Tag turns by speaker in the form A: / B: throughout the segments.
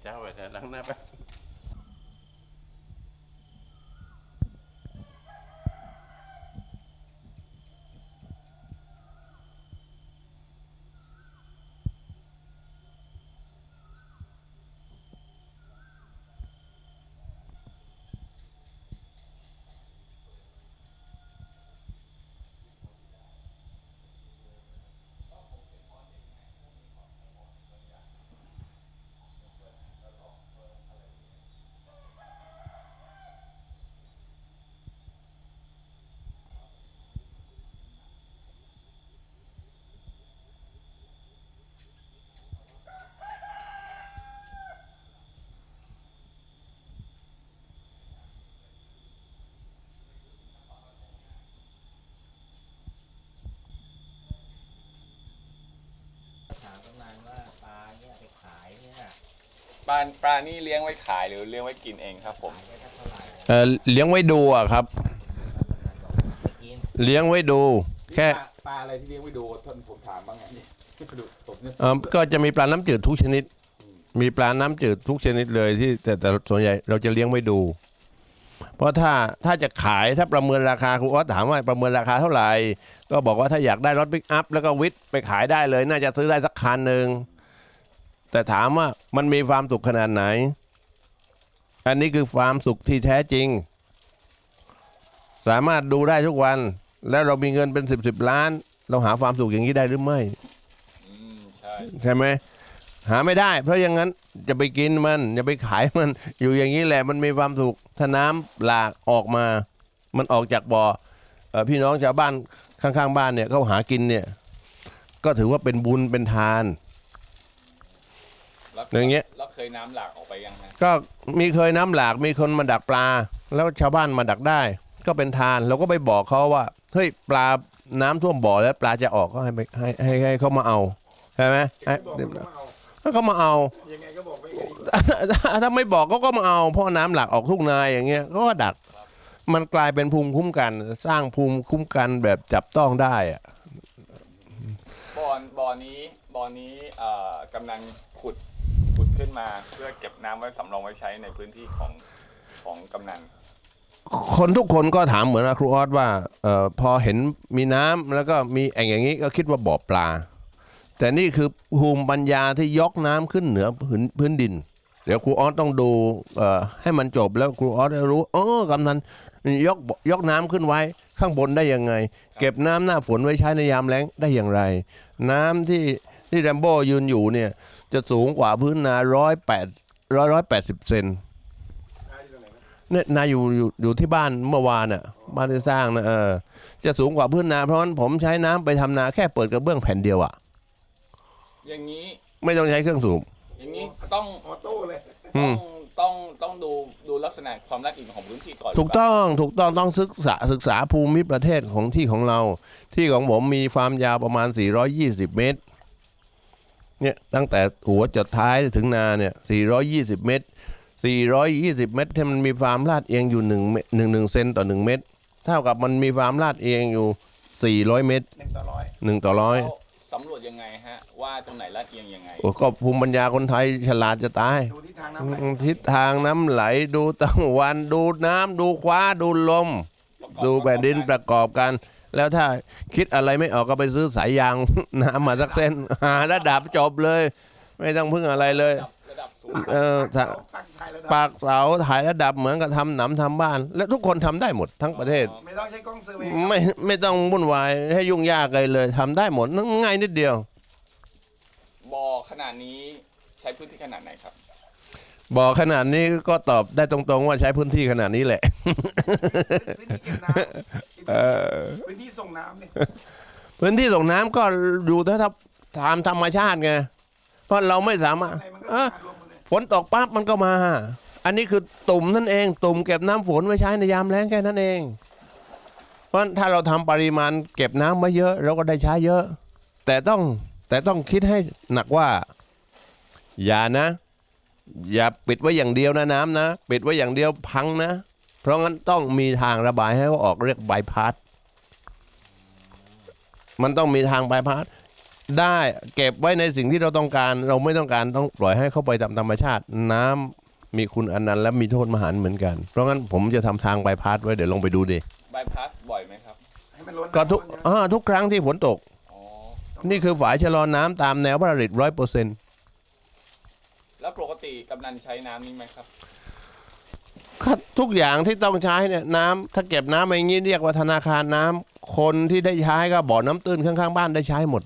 A: ช้าไปแต่ล้างหน้าไป
B: ถามประมาณว่าปลาเนี่ยไปขายเนี่ย
C: ปลานี่เลี้ยงไว้ขายหรือเลี้ยงไว้กินเองครับผม
B: ขายได้เท่าไหร่
D: เลี้ยงไว้ดูอะครับ
B: ไปกิน
D: เลี้ยงไว้ดูแค่
C: ปลาอะไรที่เลี้ยงไว้ดูท่านผมถามบ้างไงนี่ดูผมเนี่ย
D: ก็จะมีปลาน้ำจืดทุกชนิด มีปลาน้ำจืดทุกชนิดเลยที่แต่ส่วนใหญ่เราจะเลี้ยงไว้ดู เพราะถ้าจะขายถ้าประเมินราคาครูออสถามว่าประเมินราคาเท่าไหร่ก็บอกว่าถ้าอยากได้รถปิกอัพแล้วก็วิทย์ไปขายได้เลย น่าจะซื้อได้สักคันหนึ่งแต่ถามว่ามันมีความสุขขนาดไหน อันนี้คือความสุขที่แท้จริง สามารถดูได้ทุกวัน แล้วเรามีเงินเป็น10 ล้าน เราหาความสุขอย่างนี้ได้หรือไม่
C: ใช่
D: ใช่ไหมหาไม่ได้ เพราะอย่างนั้นจะไปกินมันจะไปขายมันอยู่อย่างนี้แหละมันมีความสุขถ้าน้ำหลากออกมา มันออกจากบ่อพี่น้องชาวบ้านข้างๆบ้านเนี่ยเขาหากินเนี่ยก็ถือว่าเป็นบุญเป็นทาน อย่างเงี้ย
C: แล้วเคยน้ำหลากออกไปยังฮะ
D: ก็มีเคยน้ำหลากมีคนมาดักปลา แล้วชาวบ้านมาดักได้ ก็เป็นทานเราก็ไปบอกเขาว่าเฮ้ยปลาน้ำท่วมบ่อแล้วปลาจะออกก็ให้ให้เขามาเอาใช่ไหมให้
E: บอกมันก็มาเอา
D: ถ้าเขามาเอา
E: ยังไงก็บอกไม่ไง
D: ถ้าไม่บอกเขาก็มาเอาเพราะน้ำหลากออกทุ่งนาอย่างเงี้ยเขาก็ดัก มันกลายเป็นภูมิคุ้มกัน สร้างภูมิคุ้มกันแบบจับต้องได้อะ
C: บ่อนี้กำลังขุดขึ้นมาเพื่อเก็บน้ำไว้สำรองไว้ใช้ในพื้นที่ของกำนัน
D: คนทุกคนก็ถามเหมือนครูออสว่าพอเห็นมีน้ำแล้วก็มีแอ่งอย่างนี้ก็คิดว่าบ่อปลา แต่นี่คือภูมิปัญญาที่ยกน้ำขึ้นเหนือพื้นดิน เดี๋ยวครูออสต้องดูให้มันจบแล้วครูออสจะรู้กำนันยกน้ำขึ้นไว้ข้างบนได้ยังไง เก็บน้ำหน้าฝนไว้ใช้ในยามแล้งได้อย่างไร น้ำที่แรมโบ้ยืนอยู่เนี่ยจะสูงกว่าพื้นนา180 เซนเนี่ยนาอยู่ที่บ้านเมื่อวานอ่ะบ้านที่สร้างนะจะสูงกว่าพื้นนาเพราะฉะนั้นผมใช้น้ำไปทำนาแค่เปิดกระเบื้องแผ่นเดียวอ่ะ
C: อย่างนี้
D: ไม่ต้องใช้เครื่องสูบ
C: อย่างนี้ต้อง
E: ออโต้เลย
C: ต้องดูลักษณะความละเอียดของพื้นที่ก่อน
D: ถูกต้องศึกษาภูมิประเทศของที่ของเรา ที่ของผมมีความยาวประมาณ420 เมตรเนี่ยตั้งแต่หัวจดท้ายถึงนาเนี่ย420 เมตร420 เมตรที่มันมีความลาดเอียงอยู่1เซนต่อ1 เมตรเท่ากับมันมีความลาดเอียงอยู่400 เมตร
E: 1 ต่อ 100
D: 1 ต่อ 100
C: แล้วสำรวจยังไงฮะว่าตรงไหนลาดเอียงยังไง
D: โอ้ก็ภูมิปัญญาคนไทยฉลาดจะตาย
E: ดูทิศทางน้ำไหล
D: ทิศทางน้ำไหลดูตะวันดูน้ำดูฟ้าดูลม ดูแผ่นดินประกอบกัน แล้วถ้าคิดอะไรไม่ออกก็ไปซื้อสายยาง น้ำมาสักเส้นหาระดับจบเลย ไม่ต้องพึ่งอะไรเลย
C: ระดับสูง
D: ถ้า
E: ปักไทยระดับ
D: ปากเสาถ่ายระดับเหมือนกับทำหนำทำบ้าน และทุกคนทำได้หมดทั้งประเทศ
E: ไม่ต้องใช้กล้องเซอร์เวย์
D: ไม่ต้องวุ่นวายให้ยุ่งยากเลยทำได้หมดง่ายนิดเดียว
C: บ่อขนาดนี้ใช้พื้นที่ขนาดไหนครับ
D: บอกขนาดนี้ก็ตอบได้ตรงๆว่าใช้พื้นที่ขนาดนี้แหละ
E: พื้นที่เก็บน้ำพื้นที่ส่งน้ำเนี่ย
D: พื้นที่ส่งน้ำก็อยู่ถ้าตามธรรมชาติไงเพราะเราไม่สามารถ
E: อะไรมันก็มารวมหมดเลย
D: ฝนตกปั๊บมันก็มา อันนี้คือตุ่มนั่นเองตุ่มเก็บน้ำฝนไว้ใช้ในยามแล้งแค่นั้นเอง เพราะถ้าเราทำปริมาณเก็บน้ำไว้เยอะเราก็ได้ใช้เยอะ แต่ต้องคิดให้หนักว่า อย่าปิดไว้อย่างเดียวนะน้ำนะปิดไว้อย่างเดียวพังนะ เพราะงั้นต้องมีทางระบายให้เขาออกเรียกบายพาสมันต้องมีทางบายพาสได้เก็บไว้ในสิ่งที่เราต้องการ เราไม่ต้องการต้องปล่อยให้เข้าไปตามธรรมชาติ น้ำมีคุณอนันต์และมีโทษมหันต์เหมือนกัน เพราะงั้นผมจะทำทางใบพัดไว้เดี๋ยวลองไปดูดิ
C: ใบพัดบ่อยไหมครับ
E: ให้มันล้น
D: ก็ทุก
E: น้ำล้นเยอะ
D: ทุกครั้งที่ฝนตก
C: อ๋อ
D: นี่คือฝายชะลอน้ำตามแนวพระราช100%
C: แล้วปกติกำนันใช้น้ำนี้ไหมครับ
D: ทุกอย่างที่ต้องใช้เนี่ยน้ำถ้าเก็บน้ำอย่างนี้เรียกว่าธนาคารน้ำคนที่ได้ใช้ก็บ่อน้ำตื้นข้างๆบ้านได้ใช้หมด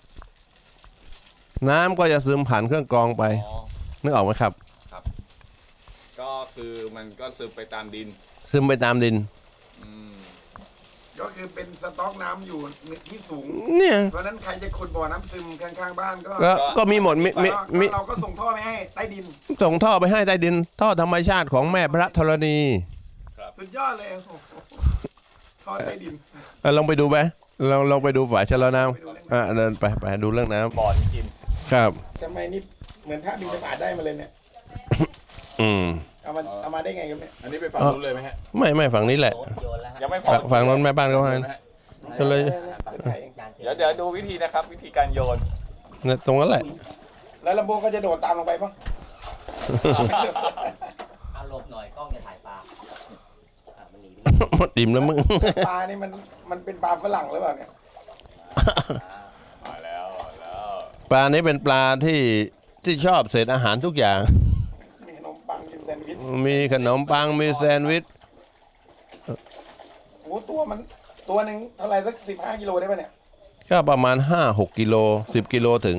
D: น้ำก็จะซึมผ่านเครื่องกรองไป
C: อ๋อ
D: นึกออกไหมครับ
C: ก็คือมันก็ซึมไปตามดิน
D: ซึมไปตามดิน
C: อืม
E: ก็คือเป็นสต็อกน้ำอยู่ที่สูง
D: เนี่ย
E: เพราะฉะนั้นใครจะขุดบ่อน้ำซึมข้างๆบ้านก็
D: ก็มีหมดมี
E: เราก็ส่งท่อไปให้ใต้ดิน
D: ส่งท่อไปให้ใต้ดิน ท่อธรรมชาติของแม่พระธรณี
E: สุดยอดเลยโอ้โหท่อใต้ดิน
D: ลองไปดูไหมลองไปดูฝายชะลอน้
E: ไปดูเรื่อง
D: ำเดินไปดูเรื่องน้
C: บ่อนี้กิน
D: ำครับ
E: ทำไมนี่เหมือนพระบิณฑบาตได้มาเลยเนี่ย
D: อืม
E: เอามาได้ไงครับเนี่ย
C: อันนี้ไปฝั่งนู้นเลยไหมฮะ
D: ไม่ฝั่งนี้แหละ
B: โยนแล้วฮะ
C: ยังไม่พอ
D: ฝั่งนั้นแม่บ้านเขาให้
C: ไหมฮะ
D: ก็เลย
B: จานเจ
C: เดี๋ยวดูวิธีนะครับ วิธีการโยน
D: เนี่ยตรงนั้นแหละ
E: แล้วลำโบก็จะโดดตามลงไปปะ
B: เอาหลบหน่อยกล้องจะถ่ายปลามันหนีไป
D: หมดอิ่มแล้วมึง
E: ปลานี่มันเป็นปลาฝรั่งหรือเปล่าเนี่ย
C: มาแล้วแล้ว
D: ปลานี้เป็นปลาที่ชอบเศษอาหารทุกอย่าง
E: มีขนมปังกินแซนด์วิช
D: มีขนมปังมีแซนด์วิช
E: โอ้ตัวหนึ่งเท่าไหร่สัก15 กิโลได้ปะเนี่ย
D: ก็ประมาณ 5-6 กิโล 10 กิโลถึง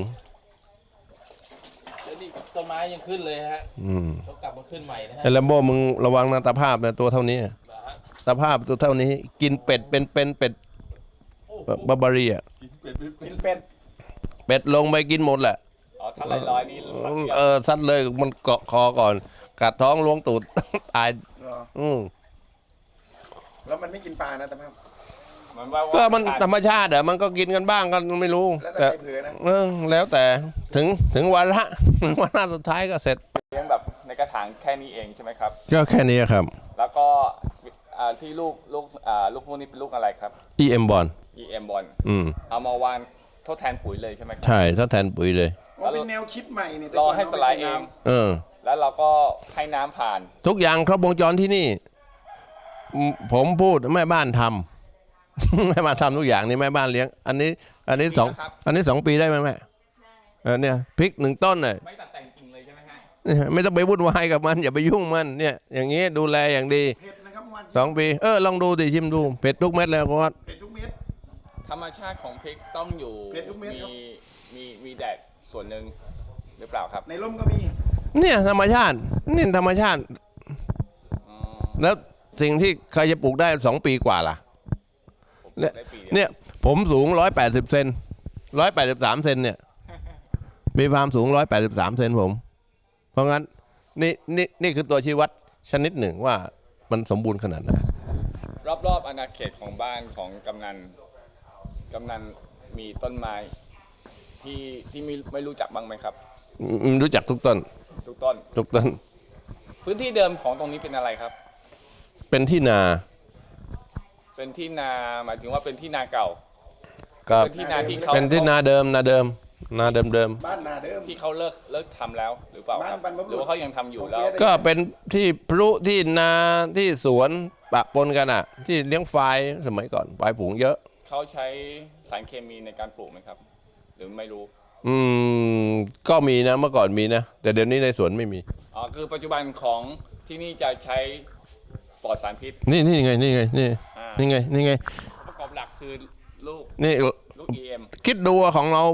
B: แล้วนี่ต้นไม้ยังขึ้นเลยฮะ
D: อืม
B: เขากลับมาขึ้นใหม่นะฮะ
D: ไอ้ลัมโบ้มึงระวังนะตาภาพนะตัวเท่านี้
B: นะฮะ
D: ตาภาพตัวเท่านี้ กินเป็ดเป็นเป็ดบาบารีอ่ะ
E: กินเป็ด
D: เป็ดลงไปกินหมดแหละ
C: อ๋อถ้าลอยๆนี่แป๊บเดียว
D: ซัดเลยมันเกาะคอก่อน กัดท้องล้วงตูด ตาย
E: เหรอ
D: อืม
E: แล้วมันไม่กินปลานะแต่ว่า
C: มันว่า
D: ก็มันธรรมชาติอ่ะมันก็กินกันบ้างก็ไม่รู้
E: แล้วแต่ใครเผลอนะ
D: แล้วแต่ถึงวาระ วาระสุดท้ายก็เสร็จ
C: เลี้ยงแบบในกระถางแค่นี้เองใช่ไหมครับ
D: ก็แค่นี้ครับ
C: แล้วก็ที่ลูกพวกนี้เป็นลูกอะไรครับ
D: EM บอล
C: EM บอล
D: อืม
C: เอามาวางทดแทนปุ๋ยเลยใช่ไหมครั
D: ใช่ถ้าแทนปุ๋ยเลย
E: ว่าเป็นแนวคิดใหม่เนี่ยแต่
C: รอ
E: ก่น
C: ให้สไลด์เอง แล้วเราก็ให้น้ำผ่าน
D: ทุกอย่างครบวงจรที่นี่ผมพูดแม่บ้านทำ แม่บ้านทำทุกอย่างนี่แม่บ้านเลี้ยง อันนี้สอง
C: ครับ
D: อันนี้2 ปีได้ไหมแม่เนี่ยพริก1 ต้นเนี่ย
C: ไม่ตัดแต่งจริงเลยใช่ไหมฮะ
D: ไม่ต้องไปวุ่นวายกับมัน อย่าไปยุ่งมันเนี่ยอย่างนี้ดูแลอย่างดี
E: เผ็ดนะครับเมื่อวาน
D: 2 ปีลองดูดิชิมดูเผ็ดทุกเม็ดแล้วก็ว่า
E: เผ็ดทุกเม็ด
C: ธรรมชาติของพริกต้องอยู่
E: เผ็ดทุกเม็ดครับ
C: มีแดดส่วนหนึ่งหรือเปล่าครับ
E: ในร่มก็มี
D: เนี่ยธรรมชาตินี่ธรรมชาติ
C: อ๋อ
D: แล้วสิ่งที่ใครจะปลูกได้2 ปีกว่าล่ะ
C: ผมปลูกได้ปีเดียว
D: เนี่ยผมสูง180 เซน183 เซนเนี่ย มีความสูง183 เซนผม เพราะงั้นนี่คือตัวชี้วัดชนิดหนึ่งว่ามันสมบูรณ์ขนาดไหน
C: รอบๆอาณาเขตของบ้านของกำนันมีต้นไม้ที่ไม่รู้จักบ้างไหมครับ
D: รู้จักทุกต้น
C: ทุกต้น
D: ทุกต้น
C: พื้นที่เดิมของตรงนี้เป็นอะไรครับ
D: เป็นที่นา
C: เป็นที่นาหมายถึงว่าเป็นที่นาเก่า
D: ครับ
C: เป็นที่นาที่เขา
D: เป็นที่นาเดิมนาเดิม
E: บ้านนาเดิม
C: ที่เขาเลิกทำแล้วหรือเปล่าครับ
E: บ้านบรรพบุรุษ
C: หรือว่าเขายังทำอยู่แล้ว
D: ก็เป็นที่พลุที่นาที่สวนปะปนกันอ่ะ ที่เลี้ยงควายสมัยก่อนควายผูงเยอะ
C: เขาใช้สารเคมีในการปลูกไหมครับ หรือไม่รู้
D: ก็มีนะเมื่อก่อนมีนะ แต่เดี๋ยวนี้ในสวนไม่มี
C: อ๋อคือปัจจุบันของที่นี่จะใช้ปลอดสารพิษ
D: นี่ไงนี่
C: อ่า
D: นี่ไง
C: ประกอบหลักคือลูก
D: นี่
C: EM
D: คิดดูอะของเรา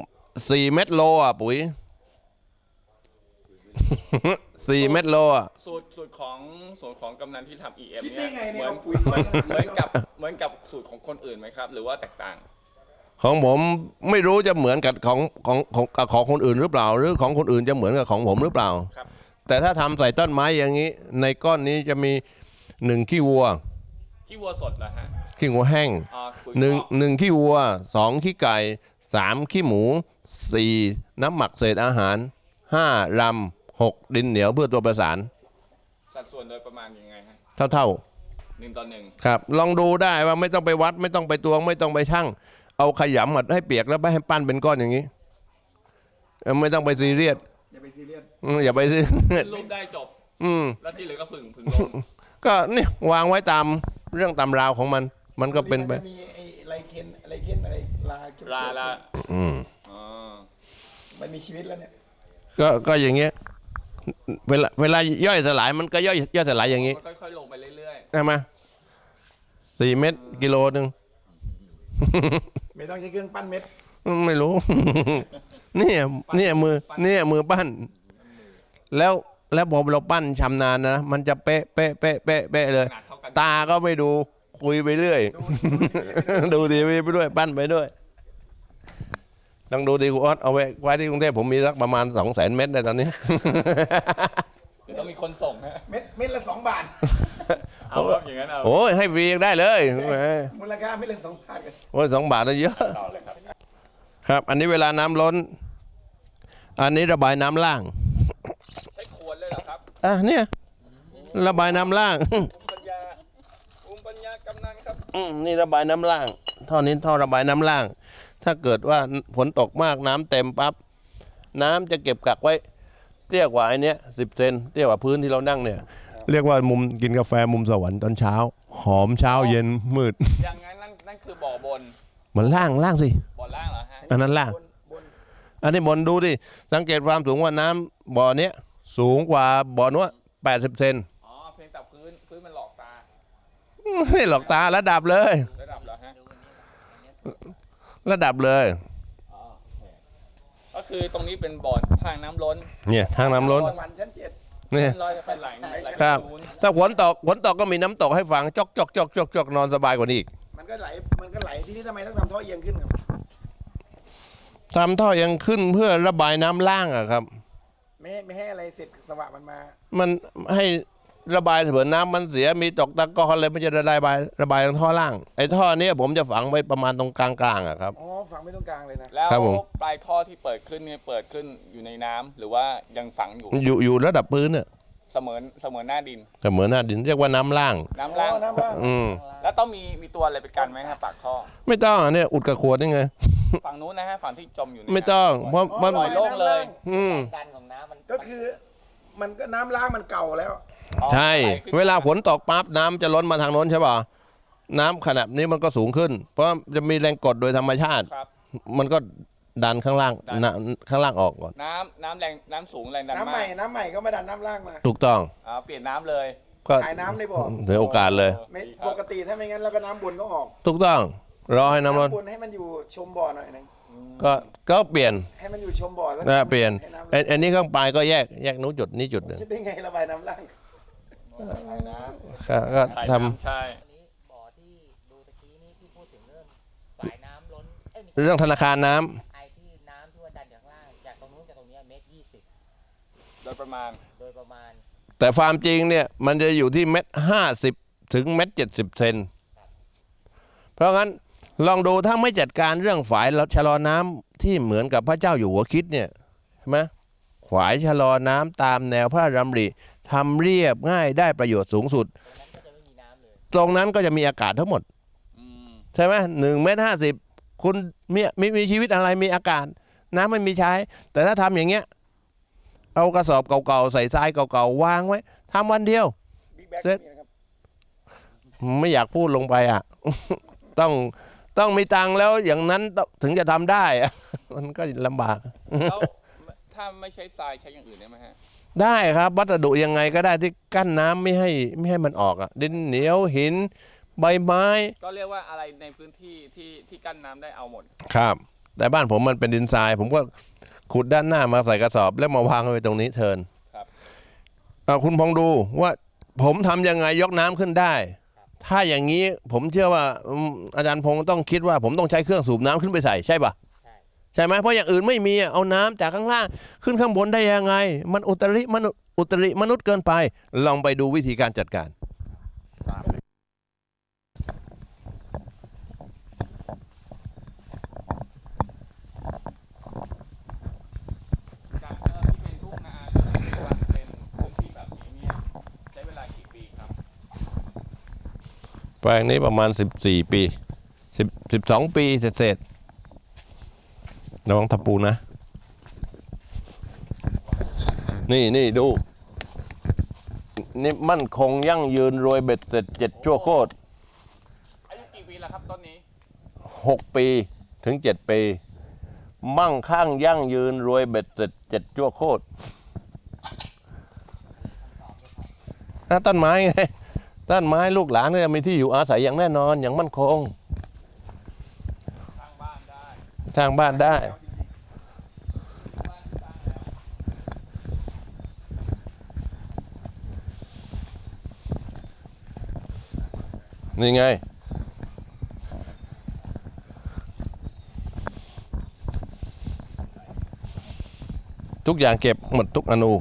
D: 4 เม็ดโลอ่ะปุ๋ย 4 เม็ดโลอ่ะ
C: สูตรของกำนันที่ทำ EM
E: คิด
C: เนี่
E: ได้
C: ย
E: ไง
C: เห
E: เนี่ย
C: มือน
E: เอาปุ๋ยมา
C: เหมือนกับสูตรของคนอื่นไหมครับ หรือว่าแตกต่าง
D: ของผมไม่รู้จะเหมือนกับของคนอื่นหรือเปล่า หรือของคนอื่นจะเหมือนกับของผมหรือเปล่า
C: ครับ
D: แต่ถ้าทำใส่ต้นไม้อย่างนี้ ในก้อนนี้จะมี1 ขี้วัว
C: ขี้วัวสดเหรอฮะ
D: ขี้วัวแห้ง
C: อ๋อปุ๋ย
D: 1 ขี้วัว 2 ขี้ไก่ 3 ขี้หมู 4 น้ำหมักเศษอาหาร 5 รำ 6 ดินเหนียวเพื่อตัวประสาน
C: สัดส่วนโดยประมาณยังไงฮะ
D: เท่า
C: 1:1
D: ๆครับ ลองดูได้ว่าไม่ต้องไปวัดไม่ต้องไปตวงไม่ต้องไปชั่งเอาขยำให้เปียกแล้วไปให้ปั้นเป็นก้อนอย่างนี้ไม่ต้องไปซีเรียส
E: อย่าไปซีเรียส
D: อย่าไปซีเรียส
C: รูปได้จบ
D: อืม
C: แล้วที่เหลือก็ผึ่งลง
D: ก็เนี่ยวางไว้ตามเรื่องตามราวของมันก็เป็นไป
E: มัจะมีไอ้ไรเคนอะไรลา
C: ลา
D: อืม
C: อ๋อ
E: มันมีชีวิตแล้วเนี่ย
D: ก็อย่างเงี้ยเวลาย่อยสลายมันก็ย่อยสลายอย่างงี้
C: มันค่อยๆลงไปเรื่อย
D: ใช่ไหม4 เม็ดกิโลนึง
E: ไม่ต้องใช้เครื่องปั้นเม็ด
D: ไม่รู้ เนี่ยมือปั้น แล้วพอเราปั้นชำนาญนะมันจะเป๊ะเลย
C: ๆขนาดเท่ากัน
D: ตาก็ไม่ดูคุยไปเรื่อย ดูทีวีไปด้วยปั้นไปด้วยต้องดูดีครูออสเอาไว้ที่กรุงเทพผมมีสักประมาณ 200,000 เม็ดในตอนนี้
C: เดี๋ยวต้องมีคนส่งฮะ
E: เม็ดละ2 บาท
C: เอาครับอย่างนั้นเอา
D: โอ้ยให้ฟรีได้เลยแหม
E: มูลค่าเม็ดละ2 บาทกัน
D: โอ้ย2 บาทนะเยอะ
C: ต่อเลยครับ
D: ครับ อันนี้เวลาน้ำล้น อันนี้ระบายน้ำล่าง
C: ใช้ขวดเลยเหรอครับ
D: เนี่ยระบายน้ำล่าง
C: ภูมิปัญญากำนันครับ
D: นี่ระบายน้ำล่างท่อนี้ท่อระบายน้ำล่าง ถ้าเกิดว่าฝนตกมากน้ำเต็มปั๊บน้ำจะเก็บกักไว้เตี้ยกว่าไอ้นี้10 เซนเตี้ยกว่าพื้นที่เรานั่งเนี่ย เรียกว่ามุมกินกาแฟมุมสวรรค์ตอนเช้า หอมเช้าเย็นมืด
C: อย่างนั้นนั่นคือบ่อบน
D: เหมือนล่างสิ
C: บ่อล่างเหรอฮะ
D: อันนั้นล่าง
E: บน
D: อันนี้บนดูดิสังเกตความสูงว่าน้ำบ่อเนี้ยสูงกว่าบ่อนู้น80 เซน
C: อ๋อเพียงแต่พื้นมันหลอกตา
D: ไม่หลอกตาระดับเลย
C: ระดับเหรอฮะ
D: ระดับเลย
C: อ๋อโอเคก็คือตรงนี้เป็นบ่อทางน้ำล้น
D: เนี่ยทางน้ำล้น
E: สวรรค์ชั้น 7
D: เนี่ย
C: ลอยจะไปไหล
D: ครับ
C: ศูนย์
D: ถ้าฝนตกก็มีน้ำตกให้ฟังจอกนอนสบายกว่านี้อีก
E: มันก็ไหลที่นี่ทำไมต้องทำท่อเอียงขึ้นครับ
D: ทำท่อยังขึ้นเพื่อระบายน้ำล่างอะครับ
E: ไม่ให้อะไรเสร็จสวะมันมา
D: มันให้ระบายเผื่อน้ำมันเสียมีตกตะกอนเลยมันจะระบายทางท่อล่างไอ้ท่อเนี้ยผมจะฝังไว้ประมาณตรงกลางๆอะครับ
E: อ๋อฝังไม่ตรงกลางเลยนะ
C: แล้ว
D: ครับผม
C: ปลายท่อที่เปิดขึ้นเนี่ยเปิดขึ้นอยู่ในน้ำหรือว่ายังฝังอยู่
D: อยู่ระดับพื้นเนี่ย
C: เสมือนหน้าดิน
D: ก็เหมือนหน้าดินเรียกว่าน้ำล่าง
C: น้ำล่าง
E: อ๋อน้ำล่าง
D: อืม
C: แล้วต้องมีตัวอะไรไปกันไหมครับปากท่อ
D: ไม่ต้องอะเนี่ยอุดกระขวดนี่ไง
C: ฝั่งนู้นนะฮะฝั่งที่จมอยู่ใน
D: ไม่ต้อง
C: น้ำ
D: เพราะมัน
C: ปล่อยโล่งเลย
D: อืม
B: ดันของน้ำมัน
E: ก็คือมันก็น้ำล้างมันเก่าแล้ว
C: อ๋อ
D: ใช่
C: ไหขึ้น
D: เวลาฝนตกปั๊บน้ำจะล้นมาทางโน้นใช่ป่ะน้ำขนาดนี้มันก็สูงขึ้น เพราะจะมีแรงกดโดยธรรมชาติ
C: ครับ
D: มันก็ดันข้างล่าง
C: ดัน
D: ข้างล่างออกก่อน
C: น้ำสูงแรงดัน
E: น้ำ
C: มา
E: ใหม่
C: ก
E: น้ำใหม่ก็มาดันน้ำล่างมา
D: ถูกต้อง
C: เปลี่ยนน้ำเลย
D: ก็
E: ขายน้ำในบ่อ
D: ถือโอกาสเลย
E: ไม่ปกติถ้าไม่งั้นเราก็น้ำบนก็ออก
D: ถูกต้องรอให้น้ำล้น
E: บนให้มันอยู่ชมบ่อหน่อยนึง
D: ก็เปลี่ยน
E: ให้มันอยู่ชมบ่อแล้ว
D: เปลี่ยน
E: ให้น้ำ
D: อันนี้ข้างปลายก็แยกนู้นจุดนี้จุดหนึ่ง
E: คิดได้ไงระบายน้ำล่าง
C: ขายน้
D: ก็
C: ำขาย
D: ท
C: น้ำใช่
B: อันนี้บ่อที่ดูตะกี้นี่ที่พูดถึงเรื่องฝายน้ำล้นไม่
D: ำเรื่องธนาคารน้ำ
B: ไอ้ที่น้ำที่ว่าดันจากข้างล่างจากตรงนู้นจากตรงเนี้ย1.20 เมตร
C: โดยประมาณ
B: โดยประมาณ
D: แต่ฟาร์มจริงเนี่ยมันจะอยู่ที่1.50 ถึง1.70 เซนเพราะงั้นลองดูถ้าไม่จัดการเรื่องฝายชะลอน้ำที่เหมือนกับพระเจ้าอยู่หัวคิดเนี่ยใช่ไหมฝายชะลอน้ำตามแนวพระราชดำริทำเรียบง่ายได้ประโยชน์สูงสุด
B: ตรงนั้นก็จะไม่มีน้ำเลย
D: ตรงนั้นก็จะมีอากาศทั้งหมด
C: อืม
D: ใช่ไหม1.50 คุณมีชีวิตอะไรมีอากาศ น้ำไม่มีใช้ แต่ถ้าทำอย่างเงี้ยเอากระสอบเก่าๆใส่ทรายเก่าๆวางไว้ทำวันเดียว
E: บิ๊กแบ็ก
D: เสร็จ
E: นี่นะครับ
D: ไม่อยากพูดลงไปอ่ะ ต้องมีตังค์แล้วอย่างนั้นถึงจะทำได้อะ มันก็ลำบาก
C: แล้วถ้าไม่ใช้ทรายใช้อย่างอื่นได้ไหมฮะ
D: ได้ครับ วัสดุยังไงก็ได้ที่กั้นน้ำไม่ให้มันออกอ่ะดินเหนียวหินใบไม้
C: ก็เรียกว่าอะไรในพื้นที่ที่กั้นน้ำได้เอาหมด
D: ครับ แต่บ้านผมมันเป็นดินทราย ผมก็ขุดด้านหน้ามาใส่กระสอบ แล้วมาวางไว้ตรงนี้เทิน
C: ครับ
D: คุณพองดูว่าผมทำยังไงยกน้ำขึ้นได้ ถ้าอย่างนี้ผมเชื่อว่าอาจารย์พงศ์ต้องคิดว่าผมต้องใช้เครื่องสูบน้ำขึ้นไปใส่ใช่ปะ
B: ใช่
D: ใช่ไหมเพราะอย่างอื่นไม่มีเอาน้ำจากข้างล่างขึ้นข้างบนได้ยังไง มันอุตริมนุษย์เกินไป ลองไปดูวิธีการจัดการ
C: จากที่เป็นทุ่งนาแล้วเป็นพื้นที่แบบนี้เนี่ยใช้เวลากี่ปีครับ
D: แปลงนี้ประมาณ14 ปี 12 ปีเศษๆระวังตะปูนะ นี่ดู นี่มั่นคงยั่งยืนรวยเบ็ดเสร็จ7 ชั่วโคตร
C: อายุกี่ปีแล้วครับต้นนี้
D: 6 ปีถึง 7 ปี มั่งคั่งยั่งยืนรวยเบ็ดเสร็จ7 ชั่วโคตรต้นไม้ไงต้นไม้ลูกหลานก็จะมีที่อยู่อาศัยอย่างแน่นอนอย่างมั่นคง
C: สร้างบ้านได้
D: สร้างบ้านได้ นี่ไง ทุกอย่างเก็บหมดทุกอนู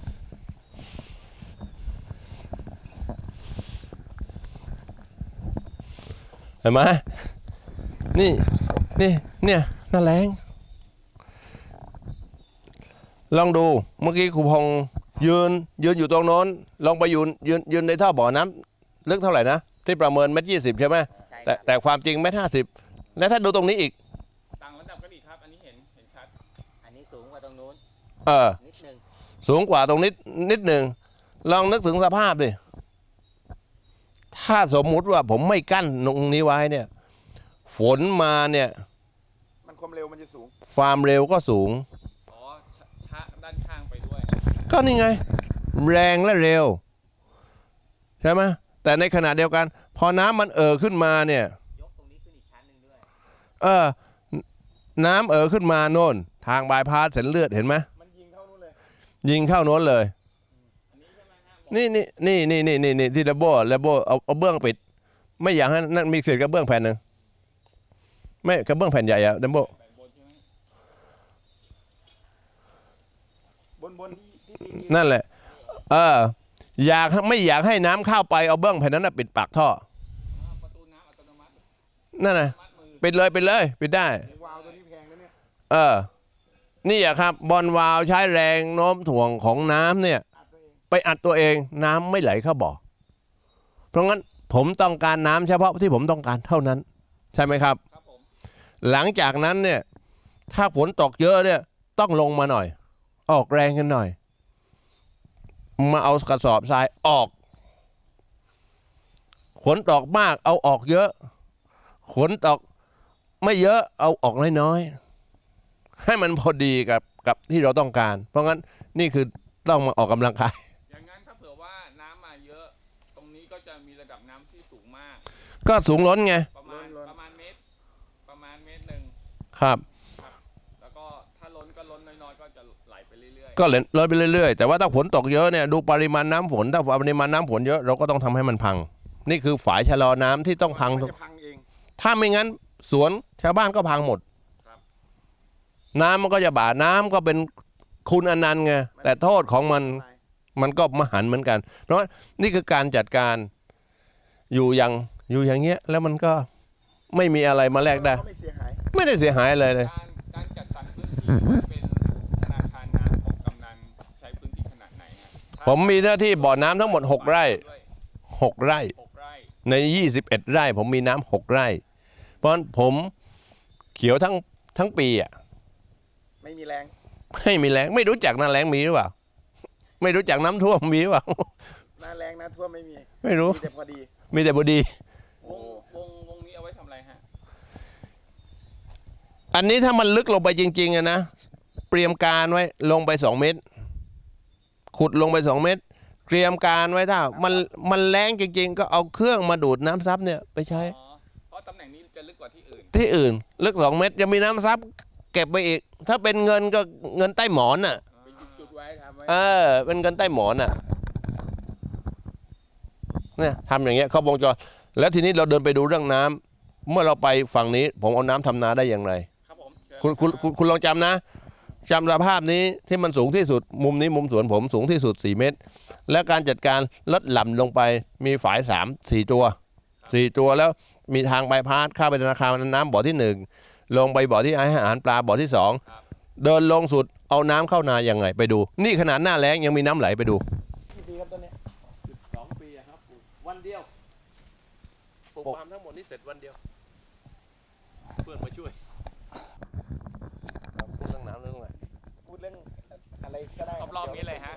D: เห็นไหมนี่เนี่ยน่าแรงลองดูเมื่อกี้ครูพงษ์ยืนอยู่ตรงโน้นลองไปยืนในท่อบ่อน้ำลึกเท่าไหร่นะที่ประเมิน1.20 ใช่ไหม
B: ใช่ค
D: แต่
B: รับ
D: แต่ความจริง1.50 แล้วถ้าดูตรงนี้อีก
C: ต่างระดับกันอีกครับ อันนี้เห็นชัด
B: อันนี้สูงกว่าตรงนู้น
D: เออ
B: นิดนึง
D: สูงกว่าตรงนิดหนึ่งลองนึกถึงสภาพดิถ้าสมมุติว่าผมไม่กั้นตรงนี้ไว้เนี่ยฝนมาเนี่ย
E: มันความเร็วมันจะสูง
D: ความเร็วก็สูง
C: อ๋อชะด้านข้างไปด้วย
D: ก็นี่ไง แรงและเร็ว ใช่ไหมแต่ในขณะเดียวกัน พอน้ำมันขึ้นมาเนี่ย
B: ยกตรงนี้ขึ้นอีกชั้นหนึ่งด้วย
D: น้ำขึ้นมาโน่น ทางบายพาสเส้นเลือดเห็นไหม
E: มันยิงเข้านู่นเลย
D: ยิงเข้าโน้นเลย
C: อันนี้ใช่ไหมฮะ
D: นี่ที่ระโบเอาเบื้องปิด ไม่อยากให้นั่นมีเศษกระเบื้องแผ่นหนึ่งไม่กระเบื้องแผ่นใหญ่อะดัมโบ
C: แบ่งบนใช่ไหม
E: บนที่ตี
D: นั่นแหละไม่อยากให้น้ำเข้าไปเอาเบื้องแผ่นนั้นนะปิดปากท่อ
C: ประตูน้ำอัตโนมัติ
D: นั่นนะ
C: มัดมือ
D: ปิดเลยปิดได้
E: วาล์วตัวนี้แพงนะเนี่ย
D: นี่อะครับบอลวาล์วใช้แรงโน้มถ่วงของน้ำเนี่ย
E: อัดตัวเอง
D: ไปอัดตัวเองน้ำไม่ไหลเข้าบ่อเพราะงั้นผมต้องการน้ำเฉพาะที่ผมต้องการเท่านั้น ใช่ไหมครับ
C: ครับผม
D: หลังจากนั้นเนี่ยถ้าฝนตกเยอะเนี่ยต้องลงมาหน่อย ออกแรงกันหน่อย มาเอากระสอบทรายออกฝนตกมากเอาออกเยอะฝนตกไม่เยอะเอาออกน้อยๆให้มันพอดีกับที่เราต้องการ เพราะงั้นนี่คือต้องมาออกกำลังกาย
C: อย่างนั้นถ้าเผื่อว่าน้ำมาเยอะ ตรงนี้ก็จะมีระดับน้ำที่สูงมาก
D: ก็สูงล้นไง
C: ประมาณเมตรหนึ่ง
D: ครับ
C: แล้วก็ถ้าล้นก็ล้นน้อยๆก็จะไหลไปเรื่อย
D: ก็ลดไปเรื่อยๆแต่ว่าถ้าฝนตกเยอะเนี่ยดูปริมาณน้ำฝนถ้าปริมาณน้ำฝนเยอะเราก็ต้องทำให้มันพัง นี่คือฝายชะลอน้ำที่ต้องพัง
E: มันจะพังเอง
D: ถ้าไม่งั้นสวนชาวบ้านก็พังหมด น้ำมันก็จะบาดน้ำก็เป็นคุณอนันต์ไงแต่โทษของมันก็มหันต์เหมือนกัน เพราะนี่คือการจัดการอยู่อย่างเงี้ยแล้วมันก็ไม่มีอะไรมาแลกได้
E: ก็ไม่เสียหาย
D: ไม่ได้เสียหายอะไรเลย
C: ๆการจัดสรรพื้นที่เป็นธนาคารน้ำของกำนันใช้พื้นที่ขนาดไหนฮะ
D: ผมมีหน้าที่บ่อน้ำทั้งหมด6 ไร่ 6 ไร่
C: 6 ไร่
D: ใน 21 ไร่ผมมีน้ำ6 ไร่ เพราะฉะนั้นผมเขียวทั้งปีอ่ะ
E: ไม่มีแรง
D: ไม่มีแรงไม่รู้จักหน้าแรงมีหรือเปล่าไม่รู้จักน้ำท่วมมีหรือเปล่า
E: หน้าแรงหน้าท่วมไม่มี
D: ไม่รู้
E: มีแต่พอดี
D: มีแต่บดี
C: วงนี้เอาไว้ทำอะไรฮะ
D: อันนี้ถ้ามันลึกลงไปจริงๆอะนะเตรียมการไว้ลงไป2 เมตร ขุดลงไป2 เมตรเตรียมการไว้ถ้ามันแรงจริงๆ ก็เอาเครื่องมาดูดน้ำซับเนี่ยไปใช้
C: อ๋อ เพราะตำแหน่งนี้จะลึกกว่าที่อื่น
D: ที่อื่นลึก2 เมตรจะมีน้ำซับเก็บไปอีก ถ้าเป็นเงินก็เงินใต้หมอนอ่ะ
C: เป็นจุดๆไว้ทำไว้
D: เป็นเงินใต้หมอนอ่ะเนี่ยทำอย่างเงี้ยเขาวงจรแล้วทีนี้เราเดินไปดูเรื่องน้ำเมื่อเราไปฝั่งนี้ผมเอาน้ำทำนาได้อย่างไร
C: ครับผมเชิญ
D: คุณลองจำนะจำสภาพนี้ที่มันสูงที่สุดมุมนี้มุมสวนผมสูงที่สุด4 เมตร และการจัดการลดหล่ำลงไปมีฝาย4 ตัวแล้วมีทางใบพัดเข้าไปธนาคารน้ำบ่อที่1ลงไปบ่อที่อาหารปลาบ่อที่2เดินลงสุดเอาน้ำเข้านายังไงไปดู นี่ขนาดหน้าแล้งยังมีน้ำไหลไปดู
E: กี่ปีครับต้นเนี้ย
D: 12 ปีครับวันเดียวปลูกปาล์มทั้งหมดนี่เสร็จวันเดียว
B: เพื่อนมาช่วย
D: พูดเรื่องน้ำเรื่องอะไร
E: พูดเรื่องอะไรก็ได้
C: รอบๆนี้เลยฮะ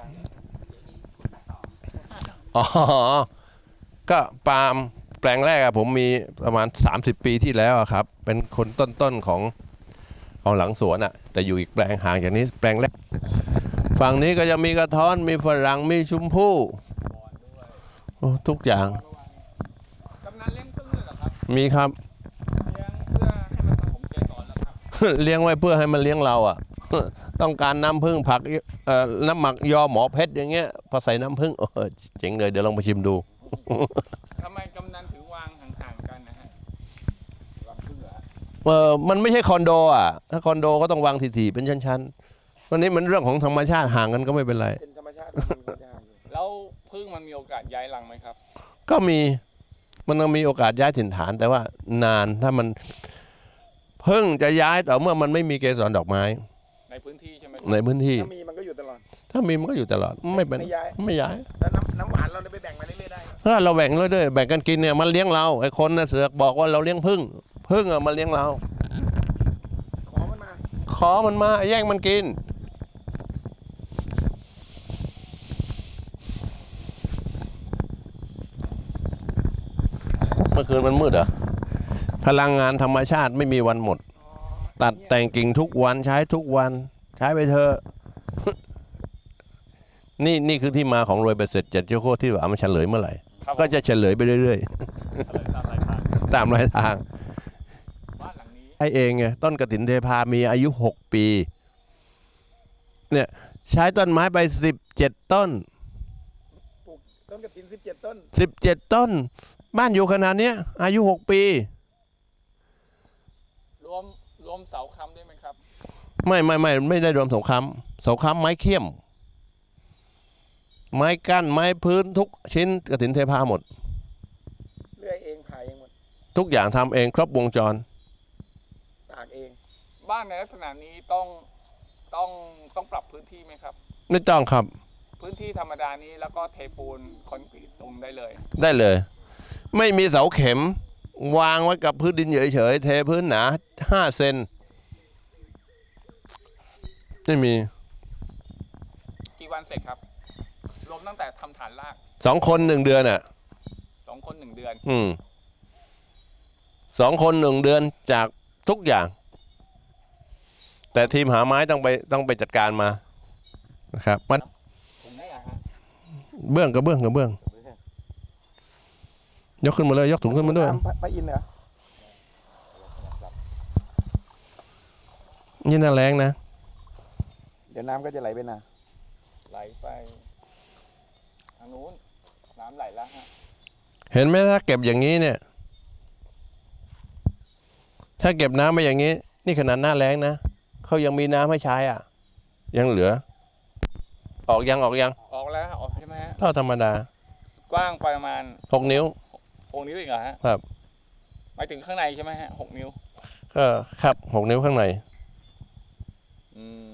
D: อ๋อ ก็ปาล์มแปลงแรกอะผมมีประมาณ 30 ปีที่แล้วอะครับ เป็นคนต้นๆของหลังสวนอะแต่อยู่อีกแปลงห่างจากนี้แปลงแรก ฝั่งนี้ก็จะมีกระท้อนมีฝรั่งมีชมพู่โอ้ทุกอย่าง
C: กำนันเลี้ยงพึ่งด้วยเหรอครับ
D: มีครับ
C: เลี้ยงเพื่อให้มันผสมเกสรเหรอครับ
D: เลี้ยงไว้เพื่อให้มันเลี้ยงเราอ่ะ ต้องการน้ำผึ้งผักน้ำหมักยอหมอเพชรอย่างเงี้ยพอใส่น้ำผึ้งเจ๋งเลยเดี๋ยวลองไปชิมดู
C: ทำไมกำนันถึงวางห่างๆกันนะฮะวางพึ่งเหรอฮะ
D: มันไม่ใช่คอนโดอ่ะถ้าคอนโดก็ต้องวางถี่ๆเป็นชั้นๆวันนี้มันเรื่องของธรรมชาติห่างกันก็ไม่เป็นไร
E: เป็นธรรมชาติของมันยากอยู่
C: แล้วพึ่งมันมีโอกาสย้ายรังไหมครับ
D: ก็มันต้องมีโอกาสย้ายถิ่นฐานแต่ว่านานถ้ามันเพิ่งจะย้ายแต่เมื่อมันไม่มีเกสรดอกไม้
C: ในพื้นที่ใช่ไหม
D: ในพื้นที่
E: ถ้ามีมันก็อยู่ตลอด
D: ถ้ามีมันก็อยู่ตลอดไม่เป็น
E: ไม่ย้าย
D: ไม่ย้าย
E: แล้วน้ำหวานเราได้ไปแบ่งมาเรื่อยๆได้
D: ถ้าเราแบ่งเลยด้วยแบ่งกันกินเนี่ยมันเลี้ยงเราไอ้คนน่ะเสือกบอกว่าเราเลี้ยงพึ่งอ่ะมาเลี้ยงเรา
E: ขอมันมา
D: ขอมันมาแย่งมันกินเมื่อคืนมันมืดเหรอพลังงานธรรมชาติไม่มีวันหมด ตัดแต่งกิ่งทุกวันใช้ทุกวันใช้ไปเถอะ นี่คือที่มาของรวยเบ็ดเสร็จเจ็ดเจ้าโคตรที่ว่ามันเฉลยเมื่อไหร่
C: ครับ
D: ก็จะเฉลยไปเรื่อย
C: อะไรตามรายทาง
D: ๆ ตามรายทาง
C: บ้านหลังนี้
D: ไอ้เองไงต้นกฐินเทพามีอายุ6 ปีเนี่ยใช้ต้นไม้ไป17 ต้น
E: ปลูกต้นกระถิน17 ต้น
D: 17 ต้น บ้านอยู่ขนาดเนี้ยอายุ6 ปี
C: รวมเสาค้ำด้วยไหมครับ
D: ไม่ได้รวมสงครามไม้เขี้ยม ไม้กั้นไม้พื้นทุกชิ้นกฐินเทพาหมด
E: เลื่อยเองผ่าเองหมด
D: ทุกอย่างทำเองครบวงจร
E: ตากเอง
C: บ้านในลักษณะนี้ต้องปรับพื้นที่ไหมครับ
D: ไม่ต้องครับ
C: พื้นที่ธรรมดานี้แล้วก็เทปูนคอนกรีตตรงได้เลย
D: ได้เลย ไม่มีเสาเข็ม วางไว้กับพื้นดินเฉยๆเทพื้นหนา5 เซนไม่มี
C: กี่วันเสร็จครับ รวมตั้งแต่ทำฐานราก
D: 2 คน 1 เดือนอ่ะ
C: 2 คน 1 เดือน
D: 2 คน 1 เดือนจากทุกอย่าง แต่ทีมหาไม้ต้องไปจัดการมานะครับมัน
C: ผมได้อะฮะ
D: เบื้องกับเบื้องยกขึ้นมาเลยยกถุงขึ้นมาด้วย
E: พระอินทร์เหรอ
D: นี่น่าแรงนะ
E: เดี๋ยวน้ำก็จะไหลไปนา
C: ไหลไปทางนู้นน้ำไหลแล้วฮะ
D: เห็นไหมถ้าเก็บอย่างนี้เนี่ย ถ้าเก็บน้ำมาอย่างนี้ นี่ขนาดหน้าแรงนะเขายังมีน้ำให้ใช้อ่ะ ยังเหลือ ออกยัง
C: ออกแล้วออกใช่ไหมฮะ
D: เท่าธรรมดาก
C: ว้างประมาณ
D: 6 นิ้ว
C: 6 นิ้วเองเหรอฮะ
D: ครับ
C: หมายถึงข้างในใช่ไหมฮะ6 นิ้ว
D: ก็ครับ6 นิ้วข้างใน
C: อืม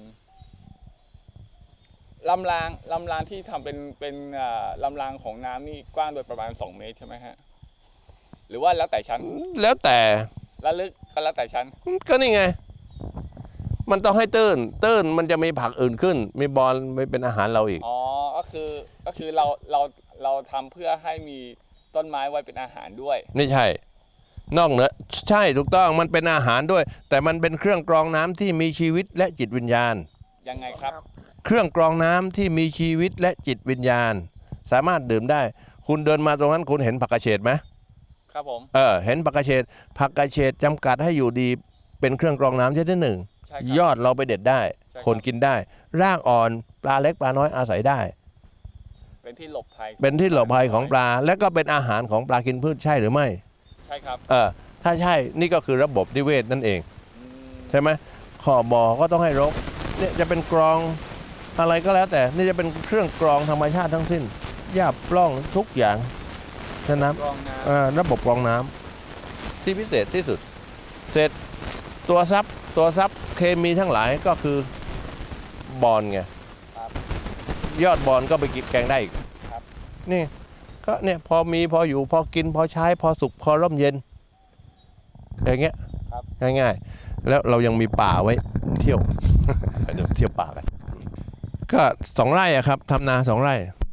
C: ลำรางที่ทำเป็นลำรางของน้ำนี่กว้างโดยประมาณ2 เมตรใช่ไหมฮะหรือว่าแล้วแต่ชั้น
D: แล้วแต่
C: แล้วลึกก็แล้วแต่ชั้น
D: ก็นี่ไง มันต้องให้ตื้นมันจะมีผักอื่นขึ้น มีบอลไม่เป็นอาหารเราอีก
C: อ๋อก็คือเราทำเพื่อให้มีต้นไม้ไว้เป็นอาหารด้วย
D: ไม่ใช่ นอกเหนือใช่ถูกต้องมันเป็นอาหารด้วย แต่มันเป็นเครื่องกรองน้ำที่มีชีวิตและจิตวิญญาณ
C: ยังไงครับ
D: เครื่องกรองน้ำที่มีชีวิตและจิตวิญญาณ สามารถดื่มได้ คุณเดินมาตรงนั้นคุณเห็นผักกระเฉดไหม
C: ครับผม
D: เห็นผักกระเฉดจำกัดให้อยู่ดีเป็นเครื่องกรองน้ำชนิดหนึ่ง
C: ใช่ครับ
D: ยอดเราไปเด็ดได้
C: ใช่ครับ
D: คนกินได้ รากอ่อนปลาเล็กปลาน้อยอาศัยได้
C: เป็นที่หลบภัย
D: เป็นที่หลบภัยของปลา และก็เป็นอาหารของปลากินพืชใช่หรือไม่
C: ใช่ครับ
D: ถ้าใช่นี่ก็คือระบบนิเวศนั่นเอง
C: อืม
D: ใช่ไหมขอบบ่อก็ต้องให้รกเนี่ยจะเป็นกรองอะไรก็แล้วแต่นี่จะเป็นเครื่องกรองธรรมชาติทั้งสิ้นหญ้าปล้องทุกอย่างฉะนั้น
C: กรองน้ำ
D: ระบบกรองน้ำที่พิเศษที่สุด เสร็จตัวซับเคมีทั้งหลายก็คือบอลไง
C: ครับ
D: ยอดบอลก็ไปกินแกงได้อีก
C: ครับ
D: นี่ก็เนี่ยพอมีพออยู่พอกินพอใช้พอสุกพอร่มเย็นอย่างเงี้ย
C: ครับ
D: ง่ายๆ แล้วเรายังมีป่าไว้เที่ยว เดี๋ยวเที่ยวป่ากันก็2 ไร่อะครับทำนา2 ไร่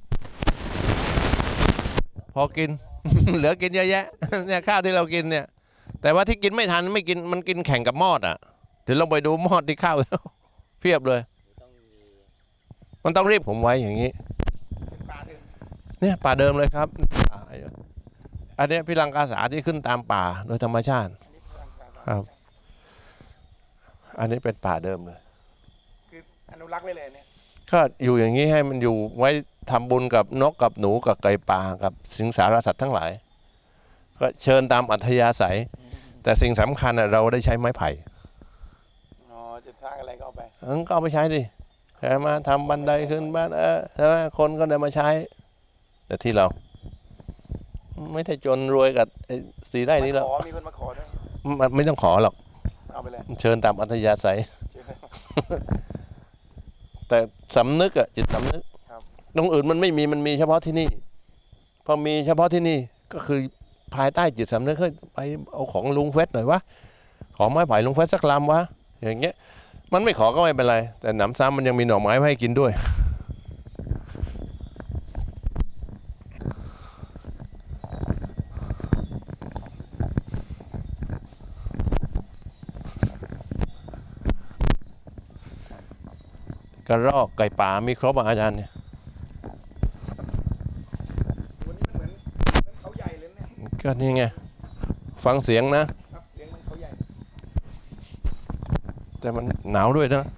D: พอกิน เหลือกินเยอะแยะ เนี่ยข้าวที่เรากินเนี่ย แต่ว่าที่กินไม่ทันไม่กินมันกินแข่งกับมอดอ่ะเดี๋ยวลองไปดูมอดที่ข้าวแล้ว เพียบเลย มันต้องรีบผมไว้อย่างนี้
E: ป่าเดิม
D: เนี่ยป่าเดิมเลยครับป่าอันเนี้ยพิรังกาสาที่ขึ้นตามป่าโดยธรรมชาติครับ อันนี้เป็นป่าเดิมเลย
E: คืออนุรักษ์ไว้เลยเนี่ย
D: ก็อยู่อย่างนี้ให้มันอยู่ไว้ทำบุญกับนกกับหนูกับไก่ป่ากับสิงสารสัตว์ทั้งหลาย ก็เชิญตามอัธยาศัย แต่สิ่งสำคัญเราได้ใช้ไม้ไผ่
E: อ๋อจะสร้างอะไรก็เอาไป
D: ก็เอาไปใช้ดิแค่มาทำบันไดขึ้นบ้านใช่ไหมคนก็ได้มาใช้ แต่ที่เรา ไม่ได้จนรวยกับ4 ไร่นี้หรอก
E: มีคนมาขอด้วย
D: มันไม่ต้องขอหรอก
E: เอาไปเลย
D: เชิญตามอัธยาศัย แต่สำนึกอะจิตสำนึก
E: ครับ
D: ตรงอื่นมันไม่มีมันมีเฉพาะที่นี่ พอมีเฉพาะที่นี่ก็คือภายใต้จิตสำนึกเฮ้ยไปเอาของลุงเฟสหน่อยวะของไม้ไผ่ลุงเฟสสักลำวะอย่างเงี้ยมันไม่ขอก็ไม่เป็นไร แต่หนำซ้ำมันยังมีหน่อไม้ให้กินด้วย กระรอกไก่ป่ามีครบอ่ะอาจารย์เนี่ย
E: วันนี้มันเหมือนเขาใหญ่เลยเนี่ย
D: ก็นี่ไงฟังเสียงนะ
E: ครับเลี้ยงมันเขาใหญ่
D: แต่มันหนาวด้วยนะ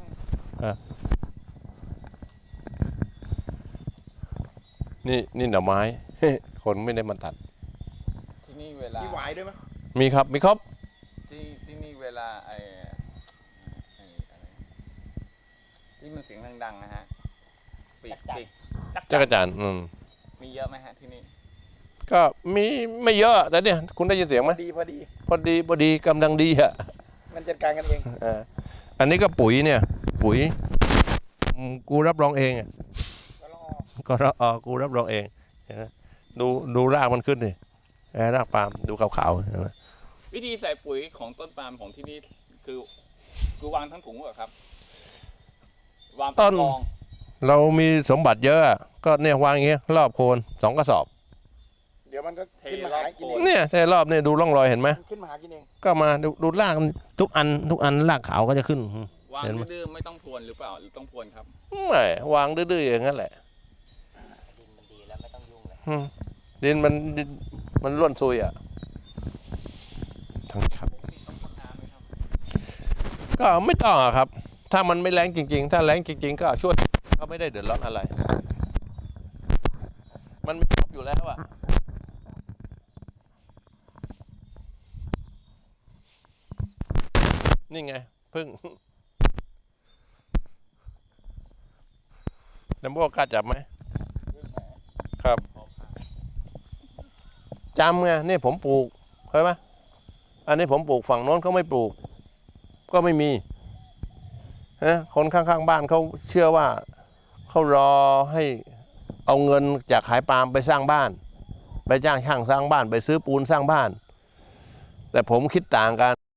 D: นี่หน่อไม้ คนไม่ได้มาตัด
C: ที่นี่เวลา
E: มีหวายด้วยไหม
D: มีครับมีครบ
C: ที่นี่เวลาไอ้อะไรที่มันเสียงดังๆนะฮะปีก
D: จักรจันทร์
C: มีเยอะไหมฮะที่นี่
D: ก็มีไม่เยอะแต่เนี่ยคุณได้ยินเสียงไหม
E: พอดี
D: พอดีกำลังดีอ่ะ
E: มันจัดการกันเอง
D: อันนี้ก็ปุ๋ยเนี่ยปุ๋ยกูรับรองเองอ่ะ
E: ก็รอ
D: กูรับรองเองเห็นไหมดูรากมันขึ้นดิรากปาล์มดูขาวๆเห็นไหม
C: วิธีใส่ปุ๋ยของต้นปาล์มของที่นี่คือวางทั้งถุงเหรอครับวางเป็นกอง
D: เรามีสมบัติเยอะก็เนี่ยวางอย่างเงี้ยรอบโคน2 กระสอบ
E: เดี๋ยวมันก็ขึ้นมาหากินเอง
D: เนี่ยแต่รอบเนี่ยดูร่องรอยเห็นไหม
E: มันขึ้นมาหากินเอง
D: ก็มาดูรากทุกอันรากขาวก็จะขึ้น
C: วาง
D: เห็นไหม
C: ดื้อๆไม่ต้องพรวนหรือเปล่าหรือต้องพรวนครับ
D: ไม่วางดื้อๆอย่างนั้นแหละ
B: ดินมันดีแล้วไม่ต้องยุ่งเลย
D: ดินมันร่วนซุยอ่ะทั้งครับ ก็ไม่ต้องอะครับ ถ้ามันไม่แรงจริงๆ ถ้าแรงจริงๆ ก็ช่วยก็ไม่ได้เดือดร้อนอะไร มันมีครบอยู่แล้วอ่ะนี่ไงพึ่งน้ำโบกล้าจับไหมครับจำไงนี่ผมปลูกเข้าไหมอันนี้ผมปลูกฝั่งโน้นเขาไม่ปลูกก็ไม่มีนะคนข้างๆบ้านเขาเชื่อว่าเขารอให้เอาเงินจากขายปาล์มไปสร้างบ้านไปจ้างช่างสร้างบ้านไปซื้อปูนสร้างบ้านแต่ผมคิดต่างกัน